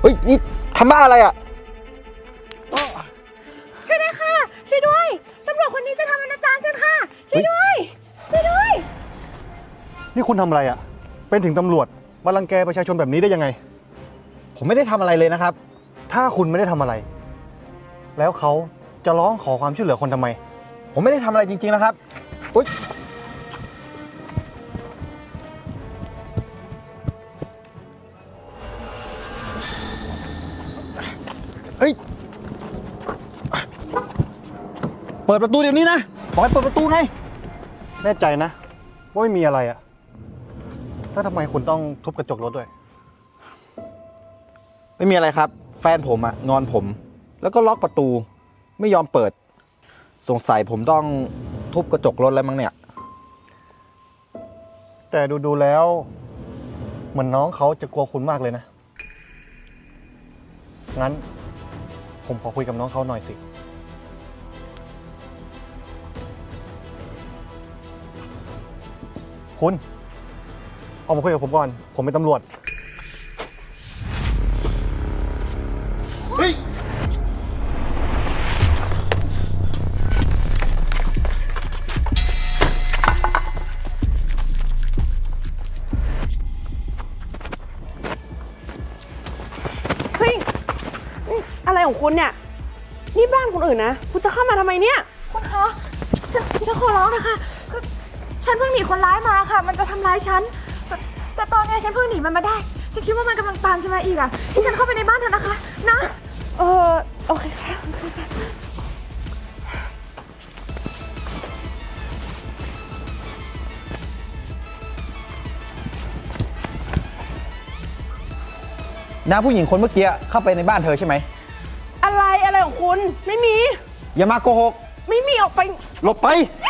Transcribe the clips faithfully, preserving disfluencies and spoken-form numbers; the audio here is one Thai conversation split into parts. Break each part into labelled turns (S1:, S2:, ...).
S1: เฮ้ยนี่ทำบ้าอะไรอ่ะ
S2: ช่วยด้วยค่ะช่วยด้วยตำรวจคนนี้จะทำอนาจารฉันค่ะช่วยด้วยช่วยด้วย
S3: นี่คุณทำอะไรอ่ะเป็นถึงตำรวจมารังแกประชาชนแบบนี้ได้ยังไง
S1: ผมไม่ได้ทำอะไรเลยนะครับ
S3: ถ้าคุณไม่ได้ทำอะไร แล้วเขาจะร้องขอความช่วยเหลือคนทำไม
S1: ผมไม่ได้ทำอะไรจริงๆนะครับอุ๊ยเฮ้ยเปิดประตูเดี๋ยวนี้นะบอกให้เปิดประตูไง
S3: แน่ใจนะว่าไม่มีอะไรอ่ะแล้วทำไมคุณต้องทุบกระจกรถด้วย
S1: ไม่มีอะไรครับแฟนผมอะงอนผมแล้วก็ล็อกประตูไม่ยอมเปิดสงสัยผมต้องทุบกระจกรถแล้วมั้งเนี่ย
S3: แต่ดูๆแล้วเหมือนน้องเขาจะกลัวคุณมากเลยนะงั้นผมขอคุยกับน้องเขาหน่อยสิคุณออกมาคุยกับผมก่อนผมเป็นตำรวจ
S1: เฮ้ย
S2: เฮ้ยอะไรของคุณเนี่ยนี่บ้านคนอื่นนะคุณจะเข้ามาทำไมเนี่ยคุณคะฉันฉันขอร้องนะคะก็ฉันเพิ่งหนีคนร้ายมาค่ะมันจะทำร้ายฉันแต่แต่ตอนนี้ฉันเพิ่งหนีมันมาได้ฉันคิดว่ามันกำลังตามฉันมาอีกอ่ะที่ฉันเข้าไปในบ้านเธอนะคะนะเออโอเคค่ะ
S1: น้าผู้หญิงคนเมื่อกี้เข้าไปในบ้านเธอใช่ไหม
S2: อะไรอะไรของคุณไม่มี
S1: อย่ามาโกหก
S2: ไม่มีออกไป
S1: หลบไป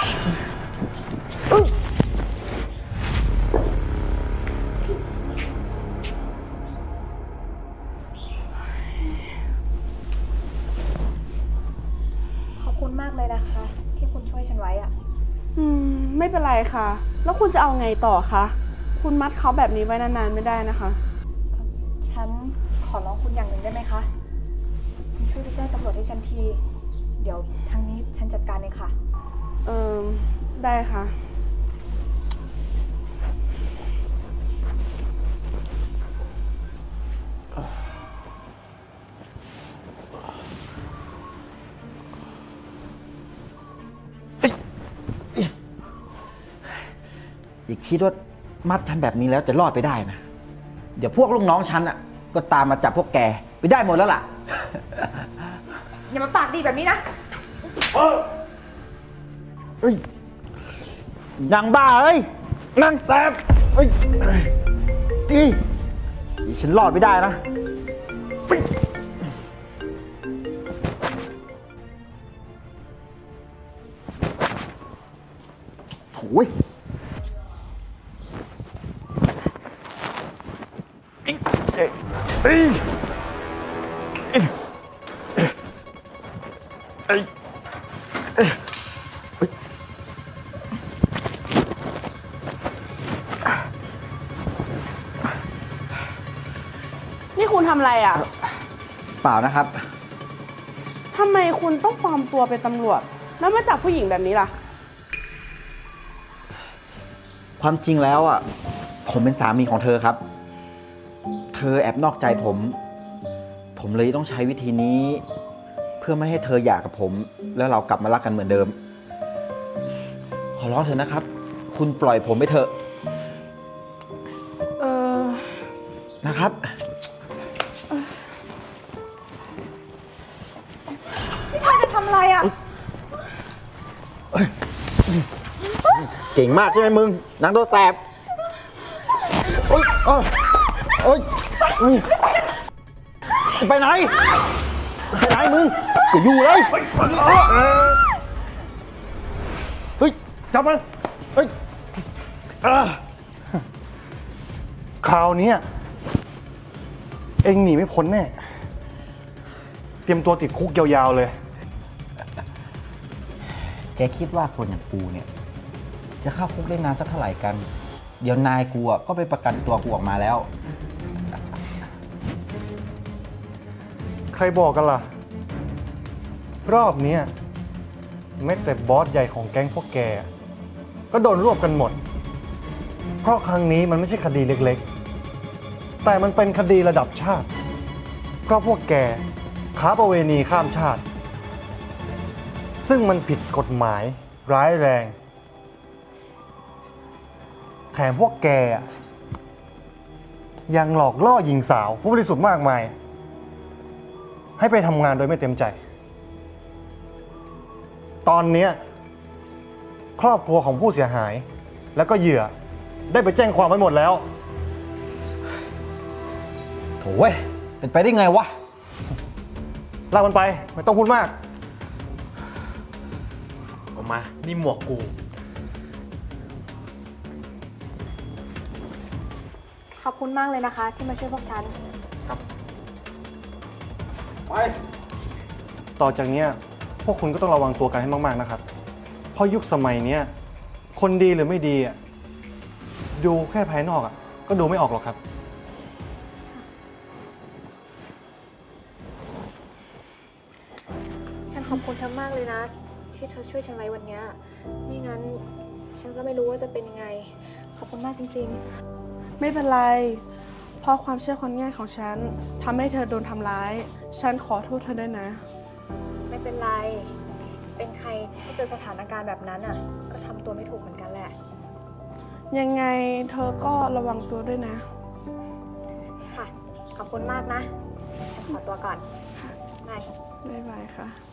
S2: ขอบคุณมากเลยนะคะที่คุณช่วยฉันไว้อะอืมไม่เป็นไรค่ะแล้วคุณจะเอาไงต่อคะคุณมัดเขาแบบนี้ไว้นานๆไม่ได้นะคะฉันขอร้องคุณอย่างหนึ่งได้ไหมคะคุณช่วยไปแจ้งตำรวจให้ฉันทีเดี๋ยวทางนี้ฉันจัดการเองค่ะเออได้ค่ะ
S1: อย่าคิดว่ามัดฉันแบบนี้แล้วจะรอดไปได้นะเดี๋ยวพวกลูกน้องฉันอ่ะก็ตามมาจับพวกแกไปได้หมดแล้วล่ะ
S2: อย่ามาปากดีแบบนี้นะ
S1: เฮ้ยนางบ้าเอ้ยนางแสบเฮ้ยดีฉันรอดไม่ได้นะโอ้ยเอ้ยเอ้ยเอ้ยเอ้ย
S2: นี่คุณทำอะไรอ่ะ
S1: เปล่านะครับ
S2: ทำไมคุณต้องปลอมตัวเป็นตำรวจแล้วมาจับผู้หญิงแบบนี้ล่ะ
S1: ความจริงแล้วอ่ะผมเป็นสามีของเธอครับเธอแอบนอกใจผมผมเลยต้องใช้วิธีนี้เพื่อไม่ให้เธอหย่ากับผมแล้วเรากลับมารักกันเหมือนเดิมขอร้องเถอะนะครับ คุณปล่อยผมไปเถอะ
S2: เออ
S1: นะครับ
S2: พี่ชายจะทำอะไรอ่ะ
S1: เก่งมากใช่ไหมมึงนางตัวแสบโอ๊ยโอ๊ยไปไหนไปไหนมึงจะอยู่เลยเฮ้ยจับมันเฮ้ย
S3: คราวนี้เองหนีไม่พ้นแน่เตรียมตัวติดคุกยาวๆเลย
S1: แกคิดว่าคนอย่างกูเนี่ยจะเข้าคุกได้นานสักเท่าไหร่กันเดี๋ยวนายกูก็ไปประกันตัวกูออกมาแล้ว
S3: ใครบอกกันล่ะ รอบเนี้ยแม้แต่บอสใหญ่ของแก๊งพวกแก ก็โดนรวบกันหมด เพราะครั้งนี้มันไม่ใช่คดีเล็กๆ แต่มันเป็นคดีระดับชาติ เพราะพวกแกค้าประเวณีข้ามชาติ ซึ่งมันผิดกฎหมายร้ายแรง แถมพวกแกอะยังหลอกล่อหญิงสาวผู้บริสุทธิ์มากมาย ให้ไปทำงานโดยไม่เต็มใจ ตอนเนี้ยครอบครัวของผู้เสียหาย แล้วก็เหยื่อได้ไปแจ้งความไว้หมดแล้ว
S1: โถ่เว้ย เป็นไปได้ไงวะ
S3: ลากมันไป ไม่ต้องพูดมาก
S4: ออกมา นี่หมวกกู
S2: ขอบคุณมากเลยนะคะ ที่มาช่วยพวกฉัน
S3: ไป ต่อจากเนี้ยพวกคุณก็ต้องระวังตัวกันให้มากๆนะครับ เพราะยุคสมัยเนี้ยคนดีหรือไม่ดีอ่ะดูแค่ภายนอกอ่ะก็ดูไม่ออกหรอกครับ
S2: ฉันขอบคุณเธอมากเลยนะ ที่เธอช่วยฉันไว้วันเนี้ยไม่งั้น ฉันก็ไม่รู้ว่าจะเป็นยังไง ขอบคุณมากจริง
S5: ไม่เป็นไร เพราะความเชื่อคนง่ายของฉันทำให้เธอโดนทำร้าย ฉันขอโทษเธอด้วยนะ
S2: ๆ ไม่เป็นไร เป็นใครถ้าเจอสถานการณ์แบบนั้นอ่ะ ก็ทำตัวไม่ถูกเหมือนกันแหละ
S5: ยังไงเธอก็ระวังตัวด้วยนะ
S2: ค่ะ ขอบคุณมากนะ ฉันขอตัวก่อนบาย
S5: บ๊ายบายค่ะ